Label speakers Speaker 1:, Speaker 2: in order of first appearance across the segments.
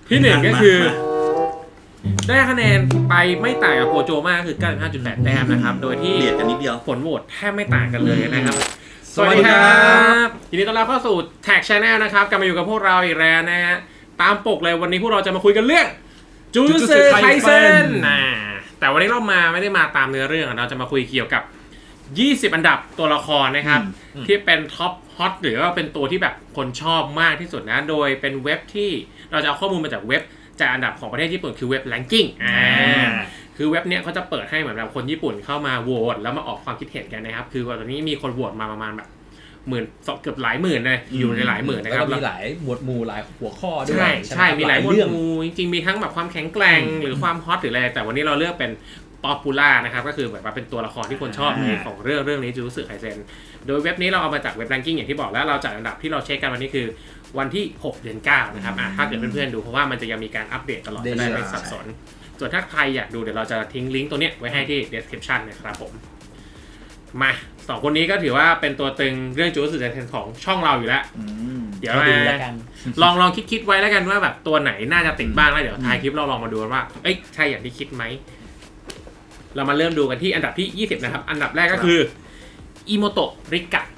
Speaker 1: ที่หนึ่งก็คือได้คะแนนไปไม่ต่างกับโกโจมากคือ 95.8 แต้มนะครับโดยที่
Speaker 2: เบียดกันนิดเดียว
Speaker 1: ผลโหวตแทบไม่ต่างกันเลยนะครับสวัสดีครับยินดีต้อนรับเข้าสู่ Tag Channel นะครับกลับมาอยู่กับพวกเราอีกแล้วนะฮะตามปกเลยวันนี้พวกเราจะมาคุยกันเรื่องจูจูสึไคเซ็นแต่วันนี้เราไม่ได้มาตามเนื้อเรื่องเราจะมาคุยเกี่ยวกับ 20 อันดับตัวละครนะครับที่เป็นท็อปฮอตหรือว่าเป็นตัวที่แบบคนชอบมากที่สุดนะโดยเป็นเว็บที่เราจะเอาข้อมูลมาจากเว็บจากอันดับของประเทศญี่ปุ่นคือเว็บ ranking คือเว็บเนี้ยเขาจะเปิดให้เหมือนแบบคนญี่ปุ่นเข้ามาโหวตแล้วมาออกความคิดเห็นกันนะครับคือตอนนี้มีคนโหวตมาประมาณแบบเกือบหลายหมื่นเลยอยู่ในหลายหมื่นนะครับ
Speaker 3: แล้วก็มีหลายหมวดหมู่หลายหัวข้อด้วย
Speaker 1: ใช่มีหลายหมวดหมู่จริงๆมีทั้งแบบความแข็งแกร่งหรือความฮอตหรืออะไรแต่วันนี้เราเลือกเป็นป๊อปปูล่านะครับก็คือแบบว่าเป็นตัวละครที่คนชอบในของเรื่องนี้จูจูสึไคเซ็นโดยเว็บนี้เราเอามาจากเว็บ ranking อย่างที่บอกแล้วเราจัดอันดับที่เราเช็คกันวันนี้คือวันที่6เดือน9นะครับถ้าเกิดเพื่อนๆดูเพราะว่ามันจะยังมีการอัปเดตตลอดจะได้ไม่สับสนส่วนถ้าใครอยากดูเดี๋ยวเราจะทิ้งลิงก์ตัวเนี้ยไว้ให้ที่ description นะครับผมมา2คนนี้ก็ถือว่าเป็นตัวตึงเรื่องจูจูสึไคเซ็นของช่องเราอยู่แล้วเดี๋ยวลองคิดไว้แล้วกันว่าแบบตัวไหนน่าจะติดบ้างแล้วเดี๋ยวท้ายคลิปเราลองมาดูว่าเอ้ยใช่อย่างที่คิดไหมเรามาเริ่มดูกันที่อันดับที่20นะครับอันดับแรกก็คืออิโมโตะริกะ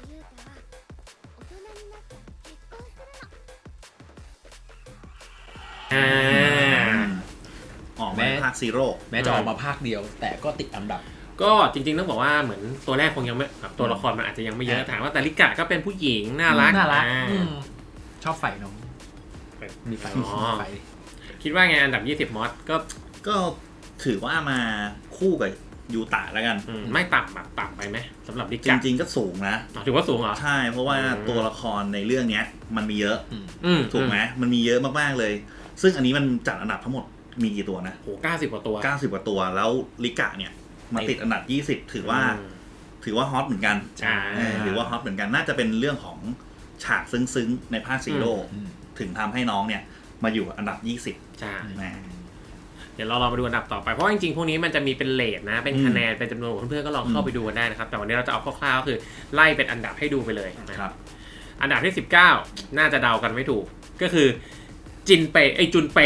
Speaker 2: ออกมาภาคซีโร่
Speaker 3: แม้จะออกมาภาคเดียวแต่ก็ติดอันดับ
Speaker 1: ก็จริงๆต้องบอกว่าเหมือนตัวแรกคงยังไม่แบบตัวละครมันอาจจะยังไม่เยอะถามว่าแต่ริกะก็เป็นผู้หญิงน่ารัก
Speaker 3: ชอบไฟน้องมีไฟ
Speaker 1: คิดว่าไงอันดับ20มอส
Speaker 2: ก็ถือว่ามาคู่กับยูตะแล้วกัน
Speaker 1: ไม่ต่ำไปไหมสำหรับริกะ
Speaker 2: จริงๆก็สูงนะ
Speaker 1: ถือว่าสูงเหรอ
Speaker 2: ใช่เพราะว่าตัวละครในเรื่องนี้มันมีเยอะถูกไหมมันมีเยอะมากๆเลยซึ่งอันนี้มันจัดอันดับทั้งหมดมีกี่ตัวนะ
Speaker 1: โห90 กว่าตัว
Speaker 2: 90 กว่าตัวแล้วริกะเนี่ยมาติดอันดับ20ถือว่าฮอตเหมือนกันถือว่าฮอตเหมือนกันน่าจะเป็นเรื่องของฉากซึ้งๆในภาคซีโร่ถึงทำให้น้องเนี่ยมาอยู่อันดับ20
Speaker 1: ใช่เดี๋ยวเรามาดูอันดับต่อไปเพราะจริงๆพวกนี้มันจะมีเป็นเรทนะเป็นคะแนนเป็นจำนวนเพื่อนๆก็ลองเข้าไปดูกันได้นะครับแต่วันนี้เราจะเอาคร่าวๆก็คือไล่เป็นอันดับให้ดูไปเลยนะครับอันดับที่19น่าจะเดากันไม่ถูกก็คือจุนเป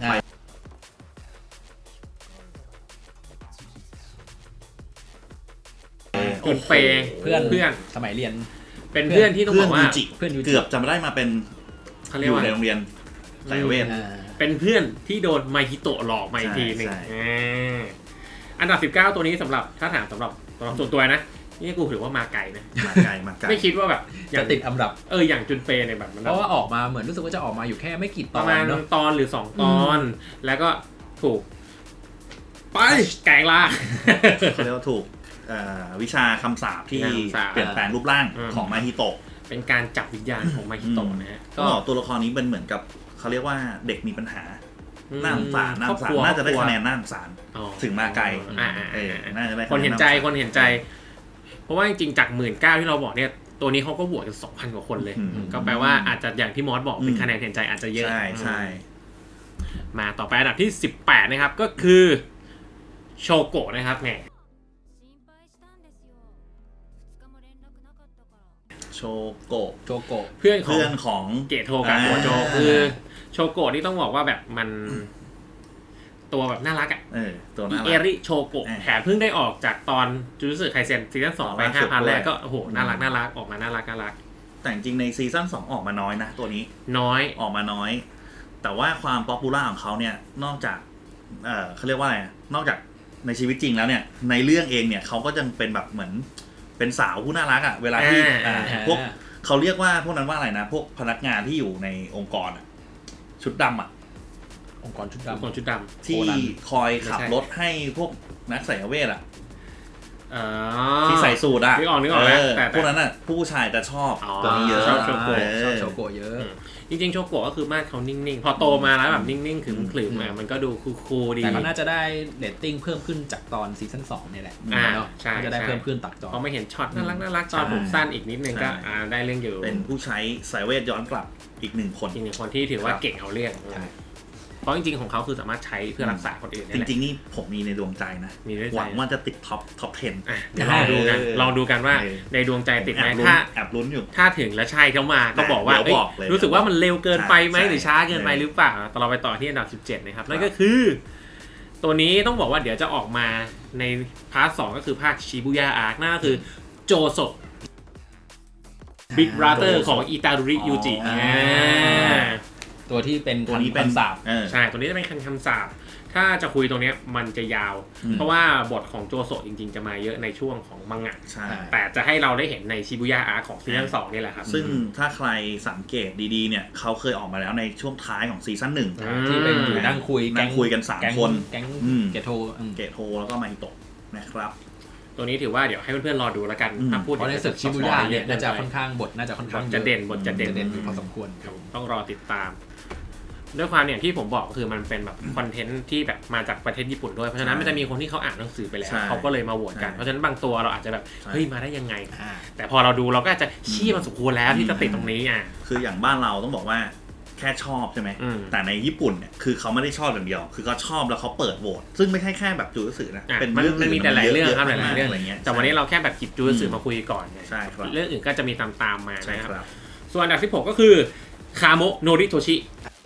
Speaker 1: เพื่อน
Speaker 3: สมัยเรียน
Speaker 1: เป็นเพื่อนที่ต้องบอกว่า
Speaker 2: เพื่อนเกือบจะมาได้มาเป็นอยู่ในโรงเรียนสายเวท
Speaker 1: เป็นเพื่อนที่โดนไมฮิโตะหลอกมาอีกทีนึงอันดับ19ตัวนี้สำหรับถ้าถามสำหรับส่วนตัวนะนี่กูถือว่ามาไกลนะ
Speaker 2: มาไกล
Speaker 1: ไม่คิดว่าแบบ
Speaker 3: จะติดอันดับ
Speaker 1: อย่างจุนเปเนี่ยแบบ
Speaker 3: เพราะว่าออกมาเหมือนรู้สึกว่าจะออกมาอยู่แค่ไม่กี่ตอน
Speaker 1: ประมาณตอนหรือ2ตอนแล้วก็ถูกไปแกงล่า
Speaker 2: เขาเรียกว่าถูกวิชาคำสาปที่เปลี่ยนแปลงรูปร่างของมาฮิโตะ
Speaker 1: เป็นการจับวิญญาณของมาฮิโตะนะฮะ
Speaker 2: ก็ตัวละครนี้เป็นเหมือนกับเขาเรียกว่าเด็กมีปัญหาน่าสงสารน่าจะได้คะแนนน่าสงสารถึงมาไกลน่าจะได้
Speaker 1: คนเห็นใจเพราะว่าจริงๆจาก 19,000 ที่เราบอกเนี่ยตัวนี้เขาก็โหวตกัน 2,000 กว่าคนเลยก็แปลว่าอาจจะอย่างที่มอสบอกเป็นคะแนนเห็นใจอาจจะเยอะ
Speaker 2: ใช่
Speaker 1: มาต่อไปอันดับที่18นะครับก็คือโชโกะนะครับแหม
Speaker 2: โชโกะ
Speaker 1: เพื่อน
Speaker 2: ของ
Speaker 1: เกโทกับโกโจคือโชโกะนี่ต้องบอกว่าแบบมันตัวแบบน่ารักอ่ะ
Speaker 2: ตัวน่ารัก
Speaker 1: เอริโชโกะแถมเพิ่งได้ออกจากตอนจูจูสึไคเซ็นซีซั่น2ไป 5,000 แรกก็โอ้โหน่ารักออกมาน่ารัก
Speaker 2: แต่จริงในซีซั่น2ออกมาน้อยนะตัวนี้ออกมาน้อยแต่ว่าความป๊อปปูล่าของเขาเนี่ยนอกจากเขาเรียกว่าอะไรนอกจากในชีวิตจริงแล้วเนี่ยในเรื่องเองเนี่ยเขาก็จะเป็นแบบเหมือนเป็นสาวผู้น่ารักอ่ะเวลาที่พวกเขาเรียกว่าพวกนั้นว่าอะไรนะพวกพนักงานที่อยู่ในองค์กรชุดดำ
Speaker 3: องค์กรชุดด
Speaker 2: ำที่คอยขับรถให้พวกนักไสยเวทที่ใส่สูท
Speaker 1: นึกออกแล้ว
Speaker 2: แต่พวกนั้นผู้ชายจะชอบตัวนี้เยอะ
Speaker 3: ชอบโชโกะเยอะ
Speaker 1: จริงๆโชโกะก็คือมาเขานิ่งๆพอโตมาแล้วแบบนิ่งๆขรึมๆมันก็ดูคูลๆดี
Speaker 3: แต่ก็น่าจะได้เรตติ้งเพิ่มขึ้นจากตอนซีซั่น2นี่แหละ
Speaker 1: ใช่
Speaker 3: จะได้เพิ่มขึ้นตักจอ
Speaker 1: พอไม่เห็นช็อตน่ารักตอนผมสั้นอีกนิดนึงก็ได้เรื่องอยู่
Speaker 2: เป็นผู้ใช้สายเวทย้อนกลับอีก1 คน
Speaker 1: ที่ถือว่าเก่งเอาเรื่องเพราะจริงๆของเขาคือสามารถใช้เพื่อรักษาคนอื่น
Speaker 2: จริงๆนี่ผมมีในดวงใจนะ
Speaker 1: มีด้วยใจ
Speaker 2: หวังว่าจะติดท็อป 10
Speaker 1: เดี๋ยวลองดูกันลองดูกันว่าในดวงใจติดไหม
Speaker 2: แอบลุ้นอยู่
Speaker 1: ถ้าถึงและใช่เข้ามาก็บอกว่ารู้สึกว่ามันเร็วเกินไปไหมหรือช้าเกินไปหรือเปล่าต่อเราไปต่อที่อันดับ17นะครับนั่นก็คือตัวนี้ต้องบอกว่าเดี๋ยวจะออกมาในพาร์ท 2ก็คือภาคชิบุย่าอาร์คนั่นก็คือโจโซบิ๊กบราเธอร์ของอิตาดุริยูจิ
Speaker 3: ตัวที่เป็น
Speaker 2: ตัวนี้เป็น
Speaker 3: คำสาป
Speaker 1: ใช่ตัวนี้จะเป็นคำสาปถ้าจะคุยตรงนี้มันจะยาว เพราะว่าบทของโจโซจริงๆจะมาเยอะในช่วงของมังงะ
Speaker 2: ใช่
Speaker 1: แต่จะให้เราได้เห็นในชิบุย่าอาร์คของซีซั่น2นี่แหละครับ
Speaker 2: ซึ่งถ้าใครสังเกตดีๆเนี่ยเขาเคยออกมาแล้วในช่วงท้ายของซีซั่น 1
Speaker 3: ที่เป็นอยู่นั่งคุย
Speaker 2: นั่งคุยกัน3 คน
Speaker 3: แก๊งเกโท
Speaker 2: เกโทแล้วก็มาฮิโตะนะครับ
Speaker 1: ตัวนี้ถือว่าเดี๋ยวให้เพื่อนๆรอดูแล้วกันถ้าพูด
Speaker 3: เพราะในศึกชิบุย่าเนี่ยน่าจะค่อนข้างบทน่าจะค่อนข้าง
Speaker 1: จะเด่นบทจะเด่น
Speaker 3: อยู่พอสมควร
Speaker 1: ต้องรอติดตามด้วยความอย่างที่ผมบอกคือมันเป็นแบบคอนเทนต์ที่แบบมาจากประเทศญี่ปุ่นด้วยเพราะฉะนั้นมันจะมีคนที่เขาอ่านหนังสือไปแล้วเขาก็เลยมาโหวตกันเพราะฉะนั้นบางตัวเราอาจจะแบบเฮ้ยมาได้ยังไงแต่พอเราดูเราก็อาจจะชี้มันสมควรแล้วที่จะติดตรงนี้
Speaker 2: คืออย่างบ้านเราต้องบอกว่าแค่ชอบใช่ไหมแต่ในญี่ปุ่นเนี่ยคือเขาไม่ได้ชอบอย่างเดียวคือเขาชอบแล้วเขาเปิดโหวตซึ่งไม่ใช่แค่แบบจูสึนะเป็นเรื่อง
Speaker 1: มันมีแต่หลายเรื่องครับหลายเรื่อง
Speaker 2: อะไรเงี้ย
Speaker 1: แต่วันนี้เราแค่แบบหยิบจูสึมาคุยก่อนไง
Speaker 2: ใช่ครับ
Speaker 1: เรื่องอื่นก็จะมีตามมานะครับส่วนอันดับที่6ก็คือคาโมะโนริโทชิ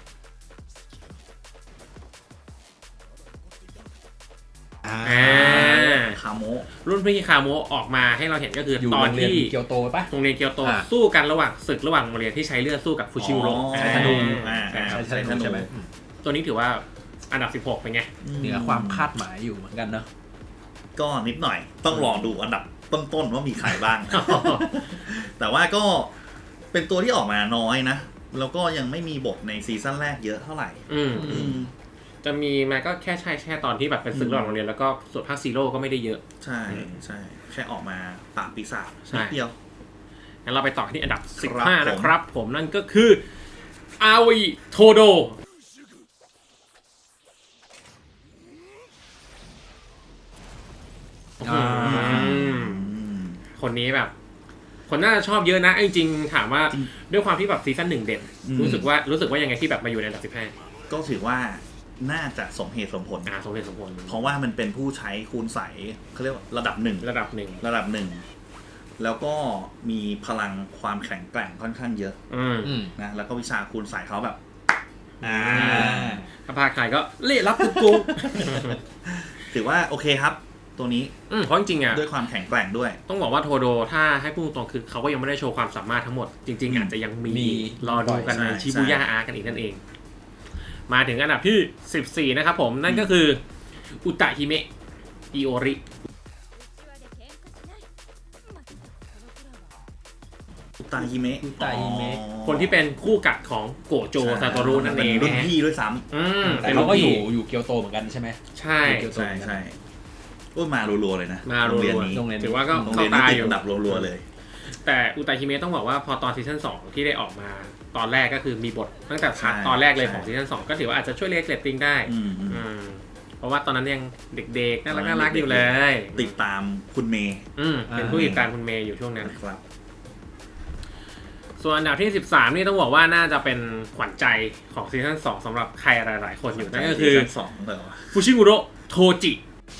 Speaker 2: คาโมะ
Speaker 1: รุ่นพี่คาโมะออกมาให้เราเห็นก็คือตอนที่
Speaker 3: เกียวโตปะ
Speaker 1: โรงเรียนเกียวโตสู้กันระหว่างศึกระหว่างโรงเรียนที่ใช้เลือดสู้กับฟูชิโร่ใช้ธนู
Speaker 3: ใช่ไหม
Speaker 1: ตัวนี้ถือว่าอันดับ16เป็นไง
Speaker 3: เหนือความคาดหมายอยู่เหมือนกันเนาะ
Speaker 2: ก็นิดหน่อยต้องรอดูอันดับต้นๆว่ามีใครบ้าง แต่ว่าก็เป็นตัวที่ออกมาน้อยนะแล้วก็ยังไม่มีบทในซีซั่นแรกเยอะเท่าไหร่
Speaker 1: จะมีมาก็แค่ตอนที่แบบเป็นศึกระหว่างโรงเรียนแล้วก็ส่วนภาคซีโร่ก็ไม่ได้เยอะ
Speaker 2: ใช่แค่ออกมาปราบปีศาจนิดเดียว
Speaker 1: งั้นเราไปต่อที่อันดับ15นะครับผมนั่นก็คืออาวิโทโดคนนี้แบบคนน่าจะชอบเยอะนะจริงๆถามว่าด้วยความที่แบบซีซั่น1เด่นรู้สึกว่ายังไงที่แบบมาอยู่ในอันดับ15
Speaker 2: ก็ถือว่าน่าจะสมเหตุสมผลเพราะว่ามันเป็นผู้ใช้คูณใสเขาเรียกว่าระดับหนึ่งแล้วก็มีพลังความแข็งแกร่งค่อนข้างเยอะนะแล้วก็วิชาคูณใสเขาแบบ
Speaker 1: ถ้าพาใครก็เละรับกู
Speaker 2: ถือว่าโอเคครับตัวนี้
Speaker 1: เพราะจริงๆ
Speaker 2: ด้วยความแข็งแกร่งด้วย
Speaker 1: ต้องบอกว่าโทโดถ้าให้พูดตรงคือเขาก็ยังไม่ได้โชว์ความสามารถทั้งหมดจริงๆอาจจะยังมีรอดูกันในชิบุย่าอาร์กันอีกนั่นเองมาถึงอันดับที่14นะครับผมนั่นก็คืออุตะฮิเมะอิโอริ
Speaker 2: อุตะฮิเมะ
Speaker 1: คนที่เป็นคู่กัดของโกโจซาโตรุนั่นเอง
Speaker 2: รุ่นพี่ด้วยซ้ำ
Speaker 3: แต่เขาก็อยู่เกียวโตเหมือนกันใช่ไหม
Speaker 2: ใช่มารัวๆเลยนะ
Speaker 1: มารัวๆถือว่าก็เข้าตาอยู่
Speaker 2: อันดับรัวๆเลย
Speaker 1: แต่อุตะฮิเมะต้องบอกว่าพอตอนซีซั่น2ที่ได้ออกมาตอนแรกก็คือมีบทตั้งแต่ตอนแรกเลยของซีซั่น2ก็ถือว่าอาจจะช่วยเรียกเรตติ้งได้เพราะว่าตอนนั้นยังเด็กๆน่ารักอยู่เลย
Speaker 2: ติดตามคุณเมย์
Speaker 1: เป็นผู้ติดตามคุณเมย์อยู่ช่วงนั้นครับส่วนอันดับที่13นี่ต้องบอกว่าน่าจะเป็นขวัญใจของซีซั่น2สำหรับใครหลายๆคนอยู่นั่นก็คือฟูชิมุโระโทจิ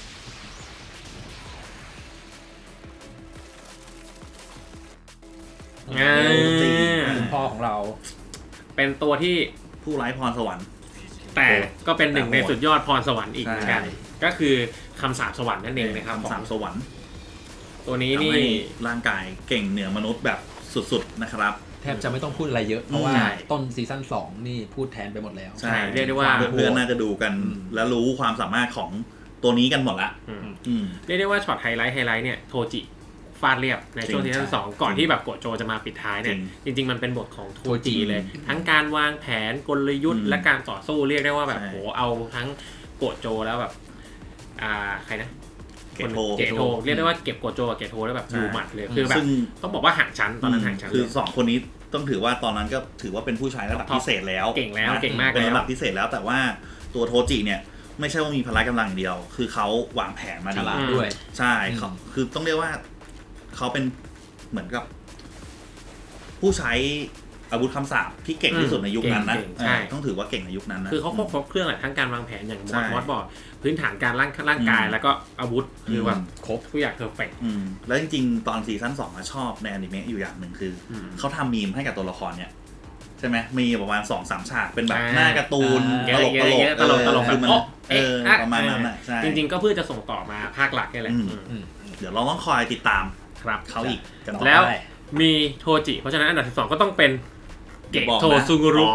Speaker 3: คุณพ่อของเรา
Speaker 1: เป็นตัวที่
Speaker 2: ผู้ไร้พรสวรรค์
Speaker 1: แต่ก็เป็นหนึ่งในสุดยอดพรสวรรค์อีกเหมือนกันก็คือคำสาปสวรรค์นั่นเองนะครับ
Speaker 2: คำสาปสวรรค์
Speaker 1: ตัวนี้นี่
Speaker 2: ร่างกายเก่งเหนือมนุษย์แบบสุดๆนะครับ
Speaker 3: แทบจะไม่ต้องพูดอะไรเยอะเพราะว่าต้นซีซั่น2นี่พูดแทนไปหมดแล้ว
Speaker 2: ใช่เรียกได้ว่าเพื่อนๆน่าจะดูกันแล้วรู้ความสามารถของตัวนี้กันหมดละ
Speaker 1: เรียกได้ว่าช็อตไฮไลท์เนี่ยโทจิฟาดเรียบในช่วงซีซั่น2ก่อนที่แบบโกโจจะมาปิดท้ายเนี่ยจริงๆมันเป็นบทของโทจิเลยทั้งการวางแผนกลยุทธ์และการต่อสู้เรียกได้ว่าแบบโหเอาทั้งโกโจแล้วแบบใครนะเกโทเรียกได้ว่าเก็บโกโจกับเกโทได้แบบอยู่หมัดเลยคือแบบต้องบอกว่าห่างชั้นตอนนั้นห่างชั้น
Speaker 2: คือ2คนนี้ต้องถือว่าตอนนั้นก็ถือว่าเป็นผู้ชายระดับพิเศษแล้ว
Speaker 1: เก่งมาก
Speaker 2: เป็นระดับพิเศษแล้วแต่ว่าตัวโทจิเนี่ยไม่ใช่ว่ามีพละกำลังเดียวคือเขาวางแผนมาดี
Speaker 3: ด้วย
Speaker 2: ใช่เขาคือต้องเรียกว่าเขาเป็นเหมือนกับผู้ใช้อาวุธคำสาปที่เก่งที่สุดในยุคนั้นนะ
Speaker 1: ใช่
Speaker 2: ต้องถือว่าเก่งในยุคนั้นนะ
Speaker 1: คือเขาครบเครื่องแหละทั้งการวางแผนอย่าง
Speaker 2: ใช่
Speaker 1: มอสบอกพื้นฐานการร่างกายแล้วก็อาวุธคือแบบ
Speaker 3: ครบ
Speaker 1: ทุกอย่างเพอร์เฟกต์
Speaker 2: แล้วจริงๆตอนซีซั่น2อะชอบในอนิเมะอยู่อย่างหนึ่งคือเขาทำมีมให้กับตัวละครเนี่ยใช่ไหมมีประมาณ 2-3 ฉากเป็นแบบหน้าการ์ตูนตลกคือมันประมาณนั้นใช่
Speaker 1: จริงๆก็เพื่อจะส่งต่อมาภาคหลักนี่แหละ
Speaker 2: เดี๋ยวเราต้องคอยติดตาม
Speaker 1: ครับ
Speaker 2: เขาอีกกันต่อ
Speaker 1: แล้วมีโทจิเพราะฉะนั้นอันดับ12ก็ต้องเป็นเกะโทซุงุรุ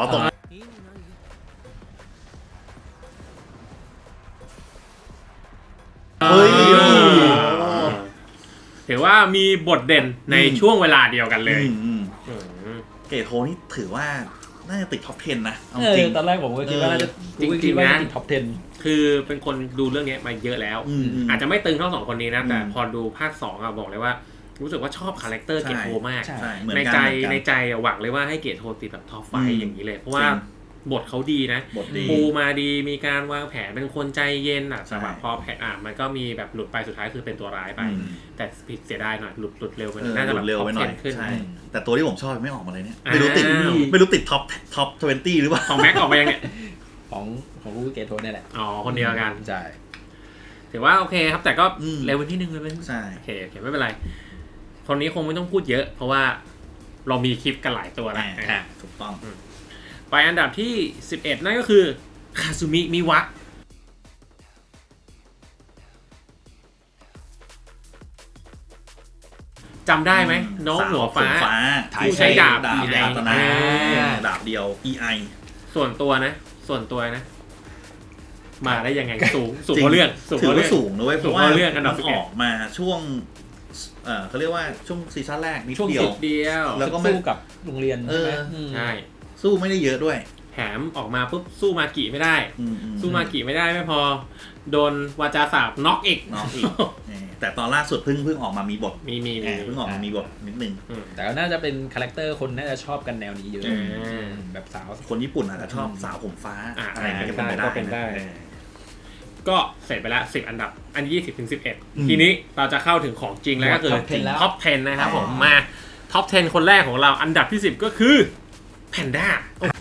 Speaker 1: ถือว่ามีบทเด่นในช่วงเวลาเดียวกันเลย
Speaker 2: เกะโทนี่ถือว่าน่าจะติดท็อป 10 นะเอา
Speaker 3: จ
Speaker 2: จ
Speaker 3: ริ
Speaker 2: ริ
Speaker 3: ง
Speaker 2: ง
Speaker 3: ตอนแรกผมก็คิดว่าน่าจะ
Speaker 1: จริงๆนะ
Speaker 3: ติดท็อป 10
Speaker 1: คือเป็นคนดูเรื่องนี้มาเยอะแล้ว อาจจะไม่ตึงเท่า2คนนี้นะแต่พอดูภาค2อะบอกเลยว่ารู้สึกว่าชอบคาแรคเตอร์เกะโทมาก ในใจหวังเลยว่าให้เกะโทติดแบบท็อปไฟอย่างนี้เลยเพราะว่าบทเขาดีนะปูมาดีมีการวางแผนเป็นคนใจเย็นอ่ะแต่แบบพอแผนมันก็มีแบบหลุดไปสุดท้ายคือเป็นตัวร้ายไปแต่ผิดเสียดายหน่อยหลุดเร็วไปน่าจะแบบ
Speaker 2: เร็ว
Speaker 1: ท็อ
Speaker 2: ไป
Speaker 1: ป
Speaker 2: หน่อย
Speaker 1: 10ขึ้น
Speaker 2: ใช่แต่ตัวที่ผมชอบไม่ออกมาเลยเนี่ยไม่รู้ติดท็อป 20 หรือเปล่า
Speaker 1: ของแม็กออกมายังเนี่ย
Speaker 3: ของลูกเกโทเนี่ยแหละ
Speaker 1: อ๋อคนเดียวกัน
Speaker 3: ใช่
Speaker 1: ถือว่าโอเคครับแต่ก็เร็วไปที่นึงเลย
Speaker 2: ใช่
Speaker 1: โอเคไม่เป็นไรคนนี้คงไม่ต้องพูดเยอะเพราะว่าเรามีคลิปกันหลายตัวแล้ว
Speaker 2: ถูกต้อง
Speaker 1: ไปอันดับที่11นั่นก็คือคาซุมิมิวะจำได้ไหมน้องหัวฟ้าผู้ใช้ดาบ
Speaker 2: EI ดาบเดียว EI
Speaker 1: ส่วนตัวนะมาได้ยังไงสูงกว่าเรื่อง
Speaker 2: ถือว่าสูงนะเว้ยเพราะว่า
Speaker 1: เรื่องอันดับ
Speaker 2: มันออกมาช่วงเขาเรียกว่าช่วงซีซั่นแรกนิด
Speaker 1: ช่วง
Speaker 2: เดียว
Speaker 1: เดียว
Speaker 2: แล้วก็
Speaker 3: สู้กับโรงเรียนใช่ไหม
Speaker 1: ใช่
Speaker 2: สู้ไม่ได้เยอะด้วย
Speaker 1: แถมออกมาปุ๊บสู้มากิไม่ได้สู้มากิไม่ได้ไม่พอโดนวาจาสาบน็อกอีก
Speaker 2: แต่ตอนล่าสุดเพิ่งออกมามีบท
Speaker 1: มี
Speaker 2: เพิ่งออกมามีบทนิดนึง
Speaker 3: แต่ก็น่าจะเป็นคาแรคเตอร์คนน่าจะชอบกันแนวนี้เยอะแบบสาว
Speaker 2: คนญี่ปุ่นอาจจะชอบสาวผมฟ้าอะไรอย่างเงี้ยก็เป็นได้
Speaker 1: ก็เสร็จไปแล้ว10อันดับอัน20ถึง11ทีนี้เราจะเข้าถึงของจริงแล้วก็คือท็อป 10นะครับผมมาท็อป 10 คนแรกของเราอันดับที่10ก็คือแพนด้า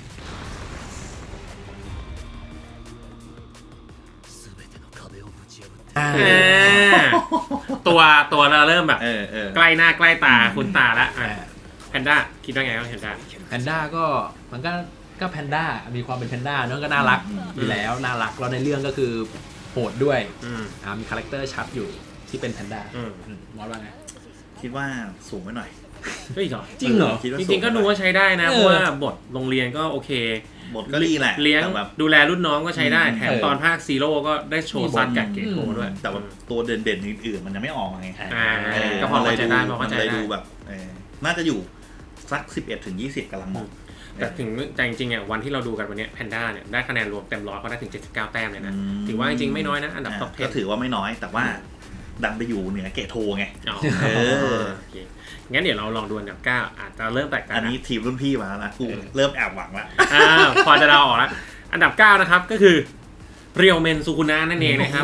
Speaker 1: ตัวเราเริ่มแบบใกล้หน้าใกล้ตาคุณตาแล้วแพนด้าคิดว่าไงครับแพนด้า
Speaker 3: ก็มันก็แพนด้ามีความเป็นแพนด้าเนาะก็น่ารักอยู่แล้วน่ารักแล้วในเรื่องก็คือโหดด้วยมีคาแรคเตอร์ชัดอยู่ที่เป็นแพนด้ามอสว่าไง
Speaker 2: คิดว่าสูงไปหน่อย
Speaker 1: จริงเหรอจริงๆก็ดูว่าใช้ได้นะเพราะว่าบทโรงเรียนก็โอเค
Speaker 2: บทก็ดีแหละ
Speaker 1: เลี้ยงดูแลรุ่นน้องก็ใช้ได้แถมตอนภาคซีโร่ก็ได้โชว์ซัดกับเกโทด้วย
Speaker 2: แต่ว่าตัวเด่นๆอื่นๆมันยังไม่ออกมาไง
Speaker 1: ก็พอเข้าใจได้
Speaker 2: ดูแบบน่าจะอยู่สัก11ถึง20กำลังเหมาะ
Speaker 1: แต่ถึงใจจริงๆอ่ะวันที่เราดูกันวันนี้แพนด้าเนี่ยได้คะแนนรวมเต็มร้อยเขาได้ถึง79แต้มเลยนะถือว่าจริงๆไม่น้อยนะอันดับท็อป 10
Speaker 2: ก็ถือว่าไม่น้อยแต่ว่าดันไปอยู่เหนือเกโทไง
Speaker 1: งั้นเดี๋ยวเราลองดูอันดับ9อาจจะเริ่มแตกต่าง
Speaker 2: อันนี้ทีมรุ่นพี่มาแล้วนะกูเริ่มแอบหวังแล้ว
Speaker 1: พอจะเดาออกแล้วอันดับ9นะครับก็คือเรียวเมนซูคุนะนั่นเองนะครับ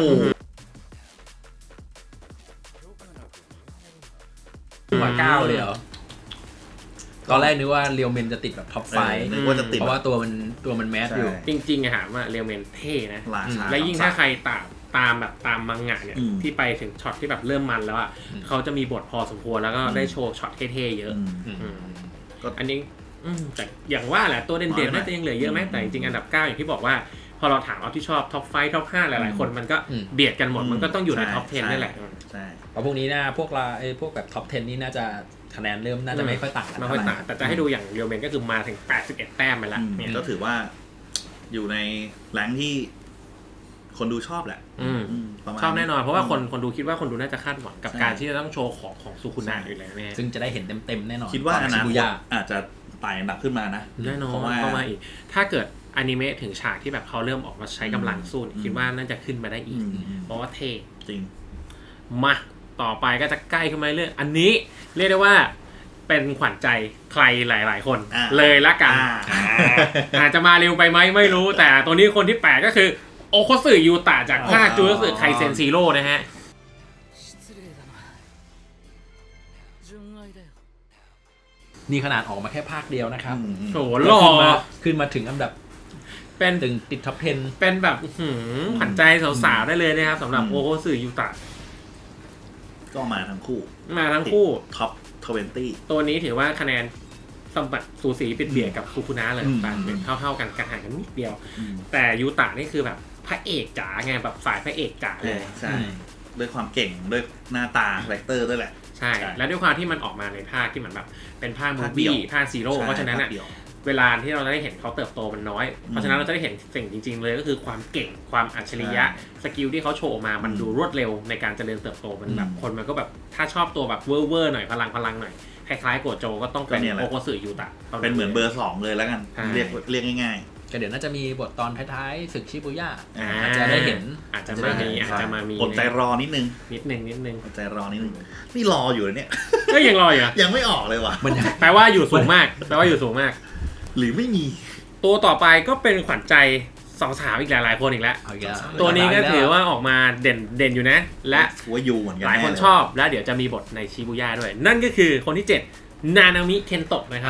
Speaker 3: มา9เลยเหรอตอนแรกนึกว่าเรียวเมนจะติดแบบท็อป5
Speaker 2: นึกว่าจะติด
Speaker 3: เพราะว่าตัวมันแมสอยู่
Speaker 1: จริงๆอะถามว่าเรียวเมนเท่นะและยิ่งถ้าใครตามมังงะเนี่ยที่ไปถึงช็อตที่แบบเริ่มมันแล้วอ่ะเขาจะมีบทพอสมควรแล้วก็ได้โชว์ช็อตเท่ๆเยอะอันนี้แต่อย่างว่าแหละตัวเด่นๆน่าจะยังเหลือเยอะไหมแต่จริงๆอันดับ9อย่างที่บอกว่าพอเราถามเอาที่ชอบท็อป5ท็อป5หลายๆคนมันก็เบียดกันหมดมันก็ต้องอยู่ในท็อป10นี่แหละ
Speaker 3: ใช่เพราะพวกนี้นะพวกเราพวกแบบท็อป10นี่น่าจะคะแนนเริ่มน่าจะไม่ค่อยต่างกัน
Speaker 1: ไม่ค่อยต่างแต่จะให้ดูอย่างเรียวเมนก็คือมาถึง81แต้มไปแล้ว
Speaker 2: เนี่ยก็ถือว่าอยู่ในแรงที่คนดูชอบแหละ
Speaker 1: ชอบแน่นอนเพราะว่าคนดูคิดว่าคนดูน่าจะคาดหวังกับการที่จะต้องโชว์ของซูคุนะอยู่แล้วแน่
Speaker 3: ซึ่งจะได้เห็นเต็มๆแน่นอน
Speaker 2: คิดว่าอนาคตอาจจะไต่อันดับขึ้นมานะ
Speaker 1: แน่นอนเข้ามาอีกถ้าเกิดอนิเมะถึงฉากที่แบบเขาเริ่มออกมาใช้กำลังสู้คิดว่าน่าจะขึ้นมาได้อีกเพราะว่าเท่
Speaker 2: จริง
Speaker 1: มาต่อไปก็จะใกล้ขึ้นมาเรื่อยอันนี้เรียกได้ว่าเป็นขวัญใจใครหลายๆคนเลยละกันอาจจะมาเร็วไปไหมไม่รู้แต่ตัวนี้คนที่8ก็คือโอโคสึยูตะจากภาคจูสึไคเซนซีโร่นะฮะ
Speaker 3: นี่ขนาดออกมาแค่ภาคเดียวนะครับ
Speaker 1: โหหล่อ
Speaker 3: ขึ้นมาถึงอันดับ
Speaker 1: เป็น
Speaker 3: ถึงติดท็อป 10
Speaker 1: เป็นแบบขวัญใจสาวๆได้เลยนะครับสำหรับโอโคสึยูตะ
Speaker 2: ก็มาทั้งคู่
Speaker 1: มาทั้งคู่
Speaker 2: ท็อป20
Speaker 1: ตัวนี้ถือว่าคะแนนสมบัติสูสีปิดเบียดกับคุคุนะเลยต่างเป็นเท่าๆกันกระห่างกันนิดเดียว แต่ยูตะนี่คือแบบพระเอกจ๋าไงแบบสายพระเอกจ๋าเลย
Speaker 2: ใช่ด้วยความเก่งด้วยหน้าตาคาแรคเตอร์ด้วยแหละ
Speaker 1: ใช่ และด้วยความที่มันออกมาในภาคที่เหมือนแบบเป็นภาคมูฟวี่ภาคซีโร่เพราะฉะนั้นอ่ะเวลาที่เราได้เห็นเขาเติบโตมันน้อยเพราะฉะนั้นเราจะได้เห็นสิ่งจริงๆเลยก็คือความเก่งความอัจฉริยะสกิลที่เขาโชว์มามันดูรวดเร็วในการเจริญเติบโตมันแบบคนมันก็แบบถ้าชอบตัวแบบเวอร์หน่อยพลังหน่อยคล้ายๆโกโจก็ต้องเป็นโอโคสึยูตะ
Speaker 2: เป็นเหมือนเบอร์2เลยแล้วกันเรียกง่าย
Speaker 3: ๆก็เดี๋ยวน่าจะมีบทตอนท้ายๆศึกชิบุย่า
Speaker 1: อาจจะได้เห็นอาจจะมามี
Speaker 2: อดใจรอนิดนึงอดใจรอนิดนึงนี่รออยู่เนี่ย
Speaker 1: ก็ยังรออยู่
Speaker 2: ยังไม่ออกเลยว่ะ
Speaker 1: แปลว่าอยู่สูงมาก
Speaker 2: หรือไม่มี
Speaker 1: ตัวต่อไปก็เป็นขวัญใจสองสาวอีกหลายๆคนอีกแล้วตัวนี้ก็ถือว่าออกมาเด่นอยู่นะและ
Speaker 2: ว่าอยู่เหมือนกัน
Speaker 1: หลายคนชอบและเดี๋ยวจะมีบทในชิบุย่าด้วยนั่นก็คือคนที่7นานามิเคนโตะนะครับ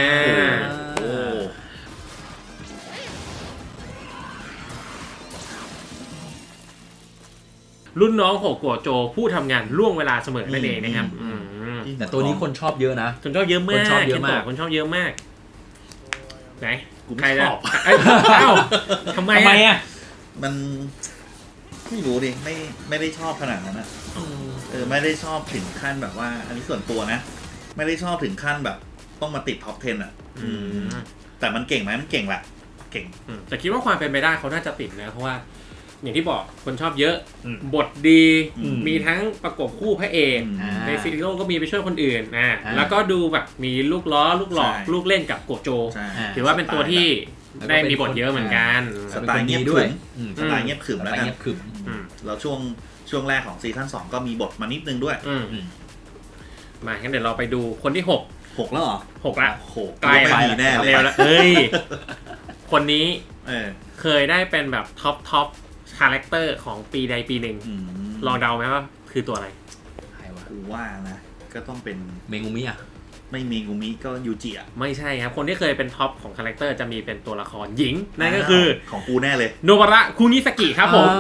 Speaker 1: รุ่นน้องโหโกโจผู้ทำงานล่วงเวลาเสมอนั่นเองนะครับ
Speaker 3: แต่ตัวนี้คนชอบเยอะนะ
Speaker 1: คนชอบเยอะมากคนชอบเยอะมากไหน
Speaker 2: ใครชอบ
Speaker 1: ทำไมอ่ะ
Speaker 2: มันไม่รู้ดิไม่ได้ชอบขนาดนั้นนะไม่ได้ชอบถึงขั้นแบบว่าอันนี้ส่วนตัวนะไม่ได้ชอบถึงขั้นแบบต้องมาติดท็อป 10อ่ะแต่มันเก่งไหมมันเก่งแหละเก่ง
Speaker 1: แต่คิดว่าความเป็นไปได้เขาน่าจะติดนะเพราะว่าอย่างที่บอกคนชอบเยอะบทดีมีทั้งประกบคู่พระเอกในซีรีส์ก็มีไปช่วยคนอื่นแล้วก็ดูแบบมีลูกล้อลูกหลอกลูกเล่นกับโกโจถือว่าเป็นตัวที่ได้มีบทเยอะเหมือนกัน
Speaker 2: สไตล์เงียบด้วยสไตล์เงียบขรึมแล้วกันแล้วช่วงแรกของซีซั่น2ก็มีบทมานิดนึงด้วย
Speaker 1: มางั้นเดี๋ยวเราไปดูคนที่
Speaker 2: 6แล้วเหรอ
Speaker 1: 6ละ
Speaker 2: ใกล้ไปแน่เลย
Speaker 1: แล้วเฮ้ยคนนี้เคยได้เป็นแบบท็อปคาแรคเตอร์ของปีใดปีหนึ่งลองเดาไหมว่าคือตัวอะไร
Speaker 3: ใครวะ
Speaker 2: กูว่านะก็ต้องเป็น
Speaker 3: เมงุมิอ่ะ
Speaker 2: ไม่เมงุมิก็ยูจิอ่ะ
Speaker 1: ไม่ใช่ครับคนที่เคยเป็นท็อปของคาแรคเตอร์จะมีเป็นตัวละครหญิงนั่นก็คือ
Speaker 2: ของกูแน่เลย
Speaker 1: โนบาระคุนิสกิครับผม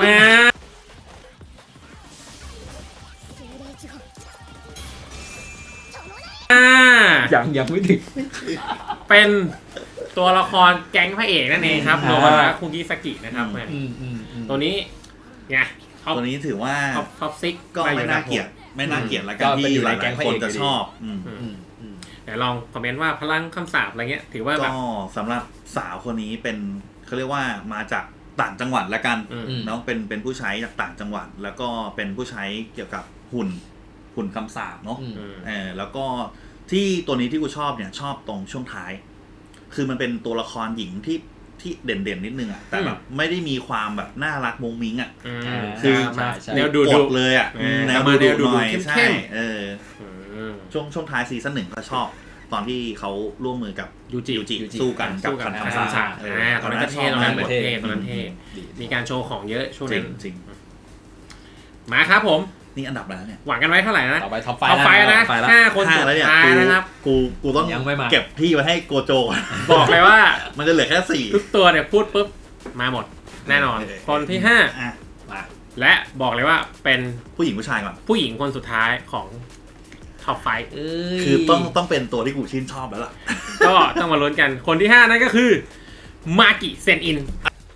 Speaker 3: ยังไม่ถึง
Speaker 1: เป็นตัวละครแก๊งพระเอกนั่นเองครับโนบาระคุนิสกินะครับตัวนี้ไง
Speaker 2: ตัวนี้ถือว่า
Speaker 1: ท็อปซิก
Speaker 2: ก็ไม่น่าเกลียดแล้วกันที่หลายๆคนจะชอบ
Speaker 1: แต่ลองคอมเมนต์ว่าพลังคำสาปอะไรเงี้ยถือว่าแบบ
Speaker 2: ก็สำหรับสาวคนนี้เป็นเขาเรียกว่ามาจากต่างจังหวัดละกันเนาะเป็นผู้ใช้จากต่างจังหวัดแล้วก็เป็นผู้ใช้เกี่ยวกับหุ่นคำสาปเนาะแล้วก็ที่ตัวนี้ที่กูชอบเนี่ยชอบตรงช่วงท้ายคือมันเป็นตัวละครหญิงที่เด่นนิดนึงอ่ะแต่แบบไม่ได้มีความแบบน่ารักมุ้งมิ้งอ่ะคือ
Speaker 1: แนวดู
Speaker 2: เลยอ่ะแนวดูหน่อยใช่ช่วงท้ายซีซั่น1ก็ชอบตอนที่เขาร่วมมือกับยูจิสู้กันกับคันคำสาป
Speaker 1: ตอนนั้นก็เท่ตอนนั้นเท่มีการโชว์ของเยอะช่วงนั้น
Speaker 2: จริง
Speaker 1: มาครับผม
Speaker 2: นี่อันดับแล้วเนี่ย
Speaker 1: หวังกันไว้เท่าไหร่นะ
Speaker 3: ต่อไปท็อป
Speaker 1: ไฟนะ5 คนสุดท้ายนะครับ
Speaker 2: กูต้องเก็บที่ไว้ให้โกโจ
Speaker 1: บอกเลยว่า
Speaker 2: มันจะเหลือแค่4
Speaker 1: ทุกตัวเนี่ยพูดปุ๊บมาหมดแน่นอนคนที่5และบอกเลยว่าเป็น
Speaker 2: ผู้หญิงผู้ชายก่อน
Speaker 1: ผู้หญิงคนสุดท้ายของท็อปไฟ
Speaker 2: คือต้องเป็นตัวที่กูชื่นชอบแล้วล่ะ
Speaker 1: ก็ต้องมาลุ้นกันคนที่5นั่นก็คือมากิเซนอิน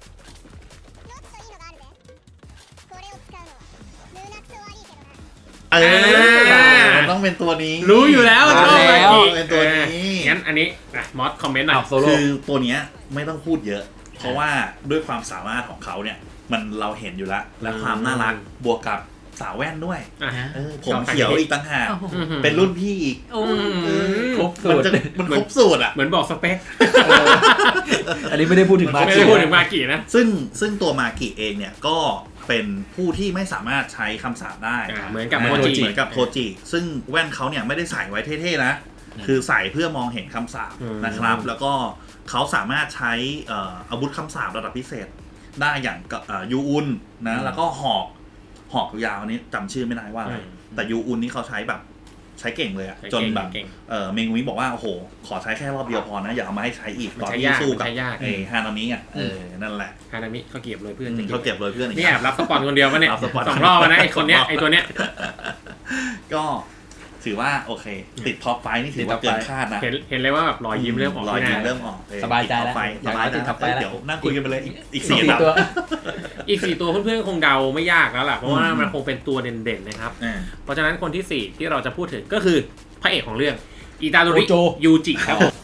Speaker 2: ต้องเป็นตัวนี้
Speaker 1: รู้อยู่แล้วชอบมากิ
Speaker 2: เป็นตัวนี้
Speaker 1: งั้นอันนี้มอสคอมเมนต์หน่อย
Speaker 2: คือตัวนี้ไม่ต้องพูดเยอะเพราะว่าด้วยความสามารถของเขาเนี่ยมันเราเห็นอยู่แล้วและความน่ารักบวกกับสาวแว่นด้วยผมเขียวอีกต่างหากเป็นรุ่นพี่อีก
Speaker 3: ครบสูตร
Speaker 2: มันครบสูตรอ่ะ
Speaker 1: เหมือนบอกสเปค
Speaker 3: อันนี้ไม่ได้พูดถึง
Speaker 1: มากินะ
Speaker 2: ซึ่งตัวมากิเองเนี่ยก็เป็นผู้ที่ไม่สามารถใช้คำสาปได้
Speaker 1: เหมือนกับ
Speaker 2: โทจิซึ่งแว่นเขาเนี่ยไม่ได้ใส่ไว้เท่ๆนะคือใส่เพื่อมองเห็นคำสาปนะครับแล้วก็เขาสามารถใช้อาวุธคำสาประดับพิเศษได้อย่างยูอุนนะแล้วก็หอกยาวนี้จำชื่อไม่ได้ว่าอะไรแต่ยูอุนนี่เขาใช้แบบใช้เก่งเลยอะ
Speaker 1: ใช้
Speaker 2: จ
Speaker 1: เก่
Speaker 2: น
Speaker 1: ง
Speaker 2: แบบ
Speaker 1: เก่ง
Speaker 2: เมงุมิบอกว่าโอ้โหขอใช้แค่รอบเดียวพอนะอย่าเอามาให้ใช้อีก
Speaker 1: มัน
Speaker 2: ตอน
Speaker 1: ใช้
Speaker 2: ที่
Speaker 1: ยาก
Speaker 2: สู้
Speaker 1: มัน
Speaker 2: กับ
Speaker 1: ใช้ยาก
Speaker 2: ฮานามิอ่ะนั่นแหละ
Speaker 1: ฮานามิเขาเก็บเลยเพื่อน
Speaker 2: เขาเก็บเลยเพื่อนอีก
Speaker 1: นี่แอบรับสปอนคนเดียวปะเนี่ย
Speaker 2: รับสปอน
Speaker 1: สองรอบแล้วนะไอคนเนี้ยไอตัวเนี้ย
Speaker 2: ก็ถือว่าโอเค ติดท็อปไฟนี่ถือว่าเกินคาดนะ
Speaker 1: เห็นเลยว่าแบบรอยยิ้มเริ่มออก
Speaker 2: รอย
Speaker 1: ที่ห
Speaker 2: ยิ้ม
Speaker 1: น้า
Speaker 2: เริ่มออก
Speaker 3: สบายใจแล้ว
Speaker 2: ติดท็อปไฟสบายใจ
Speaker 3: ติดท็อปไฟแล้ว
Speaker 2: เดี๋ยวนั่งคุยกันไปเลยอีก
Speaker 3: สี่
Speaker 2: 4อันดับ
Speaker 3: ตัว
Speaker 1: อีก4ตัวเพื่อนๆคงเดาไม่ยากแล้วล่ะเพราะว่ามันคงเป็นตัวเด่นๆนะครับ เพราะฉะนั้นคนที่4ที่เราจะพูดถึงก็คือพระเอกของเรื่องอิตาโดริ
Speaker 3: โกโจ
Speaker 1: ยูจิครับผม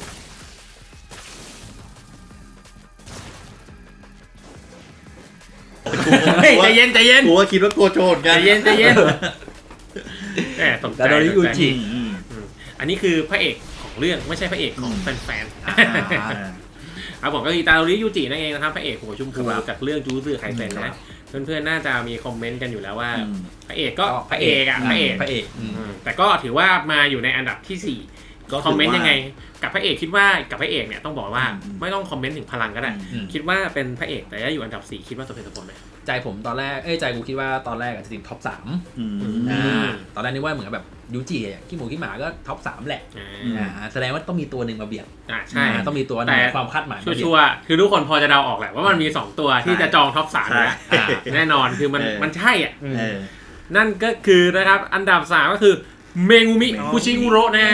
Speaker 1: เฮ้ยใจเย็นใจเย็น
Speaker 2: กูก็คิดว่าโกโจนกัน
Speaker 1: ใจเย็นใจเย็นแหมตกใจ
Speaker 3: อิตาโดริ
Speaker 1: ตกใจ
Speaker 3: ยูจิ
Speaker 1: อันนี้คือพระเอกของเรื่องไม่ใช่พระเอกของแฟนๆครับผมก็อิตาโดริยูจินั่นเองนะครับพระเอกหัวชมพูจากเรื่องจูซึไคเซ็นนะเพื่อนๆน่าจะมีคอมเมนต์กันอยู่แล้วว่าพระเอกก็พระเอกอะพระเอก
Speaker 3: พระเอก
Speaker 1: แต่ก็ถือว่ามาอยู่ในอันดับที่4คอมเมนต์ยังไงกับพระเอกคิดว่ากับพระเอกเนี่ยต้องบอกว่าไม่ต้องคอมเมนต์ถึงพลังก็ได้คิดว่าเป็นพระเอกแต่อยู่อันดับ4คิดว่าสมเหตุสมผลไหม
Speaker 3: ใจผมตอนแรกใจกูคิดว่าตอนแรกจะติดท็อป3ตอนแรกนึกว่าเหมือนแบบยูจิขี้หมูขี้หมาก็ท็อป3แหละแสดงว่าต้องมีตัวหนึ่งมาเบียด
Speaker 1: ใช่
Speaker 3: ต้องมีตัวหนึงความคาดหมาย
Speaker 1: ชัวร์ๆคือทุกคนพอจะเดาออกแหละว่ามันมี2ตัวที่จะจองท็อป3แล้วแน่นอนคือมันใช่อ่ะนั่นก็คือนะครับอันดับ3ก็คือเมงูมิคุชิอุโระนะ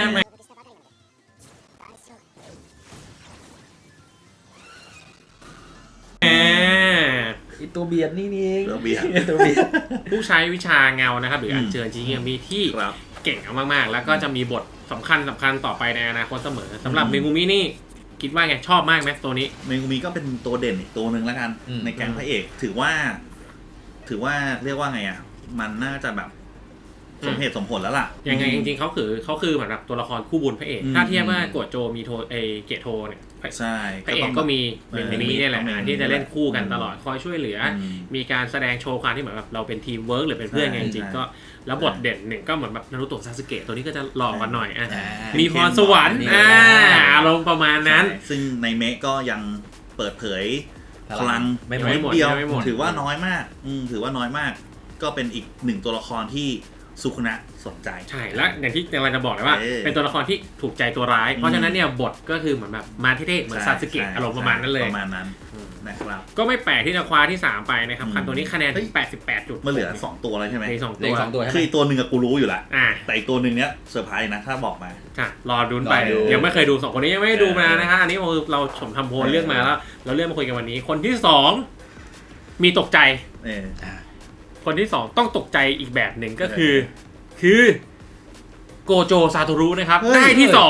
Speaker 3: ตัวเบียดนี่เอง
Speaker 2: ตัวเบียด
Speaker 3: ตัวเบียด
Speaker 1: ผู้ใช้วิชาเงานะครับหรืออัญเชิญจิเงียมีที่เก่งมากๆแล้วก็จะมีบทสำคัญต่อไปในอนาคตเสมอสำหรับเมงูมินี่คิดว่าไงชอบมากไหมตัวนี้
Speaker 2: เมงุมิก็เป็นตัวเด่นอีกตัวหนึ่งแล้วกันในแก๊งพระเอกถือว่าเรียกว่าไงอ่ะมันน่าจะแบบสมเหตุสมผลแล้วล่ะ
Speaker 1: ยังไงจริงๆเขาคือเหมือนแบบตัวละครคู่บุญพระเอกถ้าเทียบว่าโกโจมีโทเกโทเนี่ย
Speaker 2: ใช่
Speaker 1: พระเอกก็มีเมงูมิเนี่ยแหละที่จะเล่นคู่กันตลอดคอยช่วยเหลือมีการแสดงโชว์ความที่เหมือนแบบเราเป็นทีมเวิร์กหรือเป็นเพื่อนกันจริงๆก็แล้วบทเด่นหนึ่งก็เหมือนแบบนารูโตะซาสึเกะตัวนี้ก็จะหล่อกันหน่อยมีพรสวรรค์อารมณ์ประมาณนั้น
Speaker 2: ซึ่งในเมะก็ยังเปิดเผยพลัง
Speaker 1: ไม่หมด
Speaker 2: เดียว
Speaker 1: ไม่หมด
Speaker 2: ถือว่าน้อยมากถือว่าน้อยมากก็เป็นอีกหนึ่งตัวละครที่สุคุนะสนใจ
Speaker 1: ใช่และอย่างที่เราจะบอกเลยว่าเป็นตัวละครที่ถูกใจตัวร้ายเพราะฉะนั้นเนี่ยบทก็คือเหมือนแบบมาเท่ๆเหมือนซาสึเกะอารมณ์ประมาณนั้นเลย
Speaker 2: ประมาณนั้นนะครับ
Speaker 1: ก็ไม่แปลกที่จะคว้าที่3ไปนะครับคันตัวนี้คะแนนถึง88 จุด
Speaker 2: มันเหลือ2ตัวแล้วใช่ไหม
Speaker 1: มี2ตัว
Speaker 2: คืออีกตัวหนึ่งกูรู้อยู่แล้วแต่อีกตัวหนึ่งเนี้ยเซอร์ไพรส์นะถ้าบอกมาร
Speaker 1: อดูไปยังไม่เคยดู2คนนี้ยังไม่ได้ดูมานะครับอันนี้เราชมทำโพลเลือกมาแล้วเราเลือกมาคุยกันวันนี้คนที่2มีตกใจคนที่2ต้องตกใจอีกแบบหนึ่งก็คือโกโจซาโตรุนะครับได้ที่2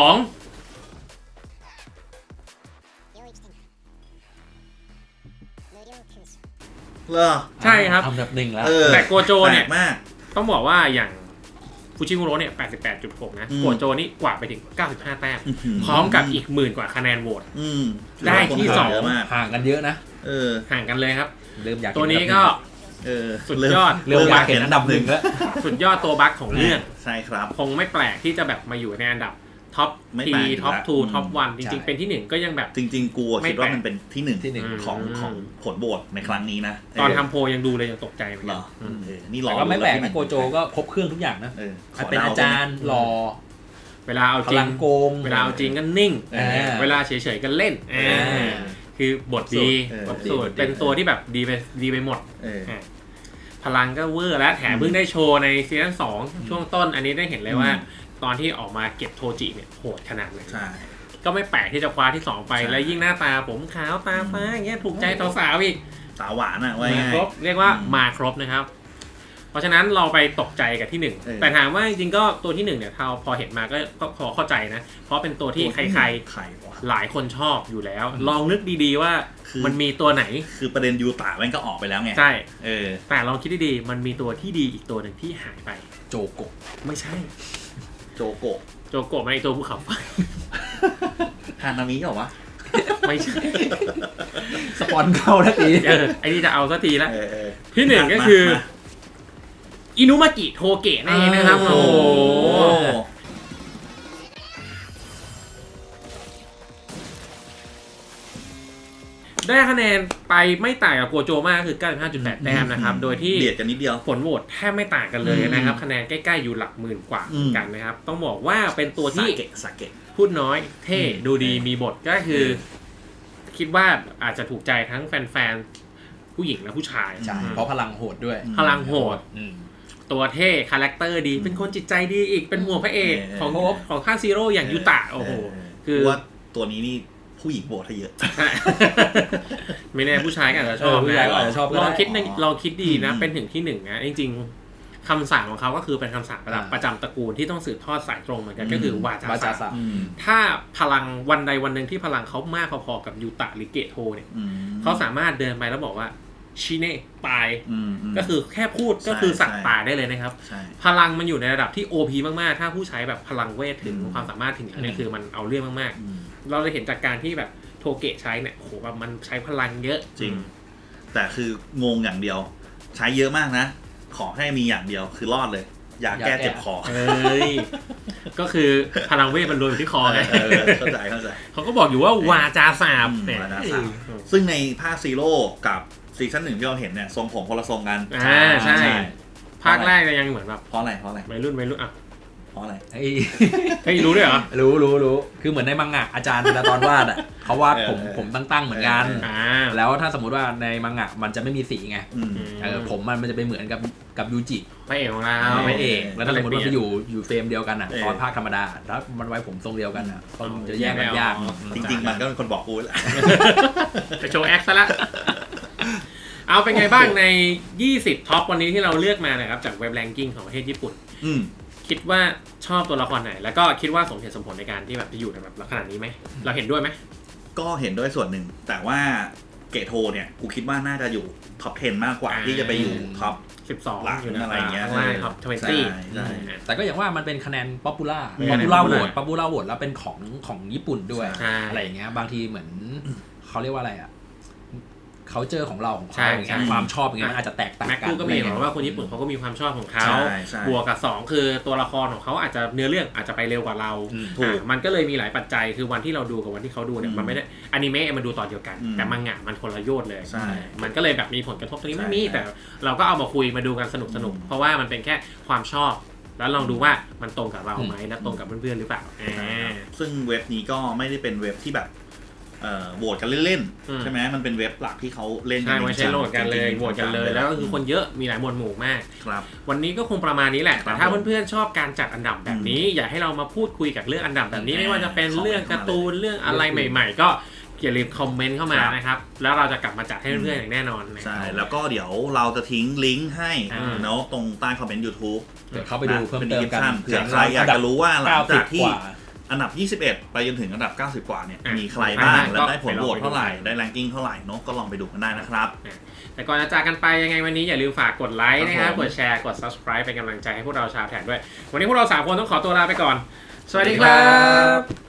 Speaker 2: เหรอ
Speaker 1: ใช่ครับ
Speaker 3: อันดับ1แล้ว
Speaker 1: แต่โกโจเนี่ย
Speaker 2: มาก
Speaker 1: ต้องบอกว่าอย่างฟูจิมุโระเนี่ย 88.6 นะโกโจนี่กว่าไปถึง 95 แต้มพร้อมกับอีก10,000 กว่าคะแนนโหวตได้ที่2
Speaker 3: ห่างกันเยอะนะ
Speaker 1: ห่างกันเลยครับ
Speaker 3: เริ่มอยาก
Speaker 1: ตัวนี้ก็สุดยอด
Speaker 3: เริ่มอยากเห็นอันดับ1แล้ว
Speaker 1: สุดยอดตัวบัคของเรื่อง
Speaker 2: ใช่ครับ
Speaker 1: คงไม่แปลกที่จะแบบมาอยู่ในอันดับท็อป3ท็อป2ท็อป1จริงๆเป็นที่1ก็ยังแบบ
Speaker 2: จริงๆกูคิดว่ามันเป็นที่1ของผลโหวตในครั้งนี้นะ
Speaker 1: ตอนทำโพยังดูเลยยังตกใจเหมือนกัน
Speaker 2: นี่รอ
Speaker 3: แต่ก็ไม่แปลกนะโกโจก็ครบเครื่องทุกอย่างนะเป็นอาจารย์รอ
Speaker 1: เวลาเอาจริง
Speaker 3: โกง
Speaker 1: เวลาเอาจริงก็นิ่งเวลาเฉยๆก็เล่นคือบทดีเป็นตัวที่แบบดีไปหมดพลังก็เวอร์แล้วแถมเพิ่งได้โชว์ในซีซั่น2ช่วงต้นอันนี้ได้เห็นเลยว่าตอนที่ออกมาเก็บโทจิเนี่ยโหดขนาดไหนก็ไม่แปลกที่จะคว้าที่2ไปแล้วยิ่งหน้าตาผมขาวตาฟ้าอย่างเงี้ยถูกใจสาวๆอีก
Speaker 2: สาวหวานอ่ะว่า
Speaker 1: ครบเรียกว่ามาครบนะครับเพราะฉะนั้นเราไปตกใจกับที่1แต่ถามว่าจริงๆก็ตัวที่1เนี่ยพอเห็นมาก็พอเข้าใจนะเพราะเป็นตัวที่ใครๆหลายคนชอบอยู่แล้วลองนึกดีๆว่ามันมีตัวไหน
Speaker 2: คือประเด็นยูตะมันก็ออกไปแล้วไง
Speaker 1: ใช่แต่ลองคิดดีๆมันมีตัวที่ดีอีกตัวหนึ่งที่หายไป
Speaker 3: โจโกะ
Speaker 1: ไม่ใช่
Speaker 2: โจโก
Speaker 1: ะไม่ตัวภูเขาไฟ
Speaker 2: ฮานามิเหรอวะ
Speaker 1: ไม่ใช่
Speaker 3: สปอนเข้าทันที
Speaker 1: ไอ้นี่จะเอาสักทีแล้วที่1ก็คืออินุมากิโทเกะนั่นเองนะครับโอ้ได้คะแนนไปไม่ต่างกับโกโจมากคือ 95.8 แต้มนะครับโดยที่
Speaker 2: เบียดกันนิดเดียว
Speaker 1: ผลโหวตแทบไม่ต่างกันเลยนะครับคะแนนใกล้ๆอยู่หลักหมื่นกว่าเหมือนกันนะครับต้องบอกว่าเป็นตัวที่
Speaker 2: สาเกะ
Speaker 1: พูดน้อยเท่ดูดีมีบทก็คือคิดว่าอาจจะถูกใจทั้งแฟนๆผู้หญิงและผู้ชาย
Speaker 3: ใช่เพราะพลังโหดด้วย
Speaker 1: พลังโหดตัวเท่คาแรคเตอร์ดีเป็นคนจิตใจดีอีกเป็นหัวพระเอกของค่าซีโร่อย่างยูตะโอ้โหคือ
Speaker 2: ว่าตัวนี้นี่ผู้หญิงโหวตให้เยอะ
Speaker 1: ไม่แน่ผู้ชายก็อาจจะชอบ
Speaker 3: ผู้ชายก็อาจจะชอบ
Speaker 1: ลองคิดดีนะเป็นถึงที่หนึ่งนะจริงๆคำสั่งของเขาก็คือเป็นคำสั่งประจำตระกูลที่ต้องสืบทอดสายตรงเหมือนกันก็คือวาจาศัพท์ถ้าพลังวันใดวันหนึ่งที่พลังเขามากพอๆกับยูตะหรือเกโทเนี่ยเขาสามารถเดินไปแล้วบอกว่าชิเน่ตายก็คือแค่พูดก็คือสั่งตายได้เลยนะครับพลังมันอยู่ในระดับที่ OP มากๆถ้าผู้ใช้แบบพลังเวทถึงความสามารถถึงอันนี้คือมันเอาเรื่องมากๆเราเลยเห็นจากการที่แบบโทเกะใช้เนี่ยโหแบบมันใช้พลังเยอะ
Speaker 2: จริงแต่คืองงอย่างเดียวใช้เยอะมากนะขอให้มีอย่างเดียวคือรอดเลยยาแก้เจ็บคอ
Speaker 1: ก็คือพลังเวทมันรวมอยู่ที่คอไง
Speaker 2: เข้าใจ
Speaker 1: เขาก็บอกอยู่ว่าวาจาสาบเนี่ย
Speaker 2: ซึ่งในภาคซีโร่กับซีซั่น 1ที่เราเห็นเนี่ยทรงผมคนละทรงกัน
Speaker 1: ใช่ภาคแรกยังเหมือนแบบ
Speaker 2: เพราะอะไร
Speaker 1: วัยรุ่นอ่ะ
Speaker 2: เพราะอะไร
Speaker 1: เฮ้ยรู้ด้วยเหรอ
Speaker 3: รู้คือเหมือนในมังงะอาจารย์เวลาตอนวาดอ่ะเขาวาดผมตั้งเหมือนกันแล้วถ้าสมมติว่าในมังงะมันจะไม่มีสีไงผมมันจะไปเหมือนกับยูจิ
Speaker 1: พระเอกของเรา
Speaker 3: พระเอกแล้วถ้าสมมติว่าไปอยู่เฟรมเดียวกันอ่ะตอนภาคธรรมดาแล้วมันไว้ผมทรงเดียวกันอ่ะจะแยกกันยาก
Speaker 2: จริงๆมันก็เป็นคนบอกกูแหละ
Speaker 1: ไปโชว์แอคซะละเอาเป็นไงบ้างใน20ท็อปวันนี้ที่เราเลือกมานะครับจากเว็บแรงกิ้งของประเทศญี่ปุ่นคิดว่าชอบตัวละครไหนแล้วก็คิดว่าสมเหตุสมผลในการที่แบบจะอยู่ในแบบขนาดนี้ไหมเราเห็นด้วยไหม
Speaker 2: ก็เห็นด้วยส่วนหนึ่งแต่ว่าเกโทเนี่ยกูคิดว่าน่าจะอยู่ท็อป 10 มากกว่าที่จะไปอยู่ท็อป
Speaker 1: 12
Speaker 2: หลังอะไรเงี้ย
Speaker 1: ใช่ท็อป
Speaker 3: 20แต่ก็อย่างว่ามันเป็นคะแนนป๊อปปูล่าโหวตแล้วเป็นของญี่ปุ่นด้วยอะไรอย่างเงี้ยบางทีเหมือนเขาเรียกว่าอะไรอ่ะเขาเจอของเราของเขาอย่างเงี้ยความชอบอย่างเงี้ยมันอาจจะแตกต่างกัน
Speaker 1: แม็กก็มีบอกว่าคนญี่ปุ่นเขาก็มีความชอบของเขาบวกกับ2คือตัวละครของเขาอาจจะเนื้อเรื่องอาจจะไปเร็วกว่าเรามันก็เลยมีหลายปัจจัยคือวันที่เราดูกับวันที่เขาดูเนี่ยมันไม่ได้อนิเมะมันดูตอนเดียวกันแต่มังงะมันคนละโยชน์เลยมันก็เลยแบบมีผลกระทบตรงนี้ไม่มีแต่เราก็เอามาคุยมาดูกันสนุกเพราะว่ามันเป็นแค่ความชอบแล้วลองดูว่ามันตรงกับเราไหมและตรงกับเพื่อนๆหรือเปล่า
Speaker 2: ซึ่งเว็บนี้ก็ไม่ได้เป็นเว็บที่แบบโหวตกันเล่นๆใช่ไหมมันเป็นเว็บหลักที่เขาเล่น
Speaker 1: กันไม่ใช่โหวตกันเลยโหวตกันเลยแล้วก็คือคนเยอะมีหลายหมวดหมู่มาก
Speaker 2: ครับ
Speaker 1: วันนี้ก็คงประมาณนี้แหละแต่ถ้าเพื่อนๆชอบการจัดอันดับแบบนี้อยากให้เรามาพูดคุยกับเรื่องอันดับแบบนี้ไม่ว่าจะเป็นเรื่องการ์ตูนเรื่องอะไรใหม่ๆก็อย่าลืมคอมเมนต์เข้ามานะครับแล้วเราจะกลับมาจัดให้เพื่อนๆอย่างแน่นอน
Speaker 2: ใช่แล้วก็เดี๋ยวเราจะทิ้งลิงก์ให้เนาะตรงใต้คอมเมนต์ YouTube
Speaker 3: เดี๋ยวเข้าไปดูเพิ่มเติมกัน
Speaker 2: เผื่อใครอยากจะรู้ว่าหลังจากที่อันดับ21ไปจนถึงอันดับ90กว่าเนี่ยมีใครบ้างและได้ผลโหวตเท่าไหร่ได้แรงกิ้งเท่าไหร่เนาะก็ลองไปดูกันได้นะครับ
Speaker 1: แต่ก่อนจะจากกันไปยังไงวันนี้อย่าลืมฝากกดไลค์นะครับกดแชร์กด Subscribe เป็นกำลังใจให้พวกเราชาวแท็กด้วยวันนี้พวกเรา3คนต้องขอตัวลาไปก่อนสวัสดีครับ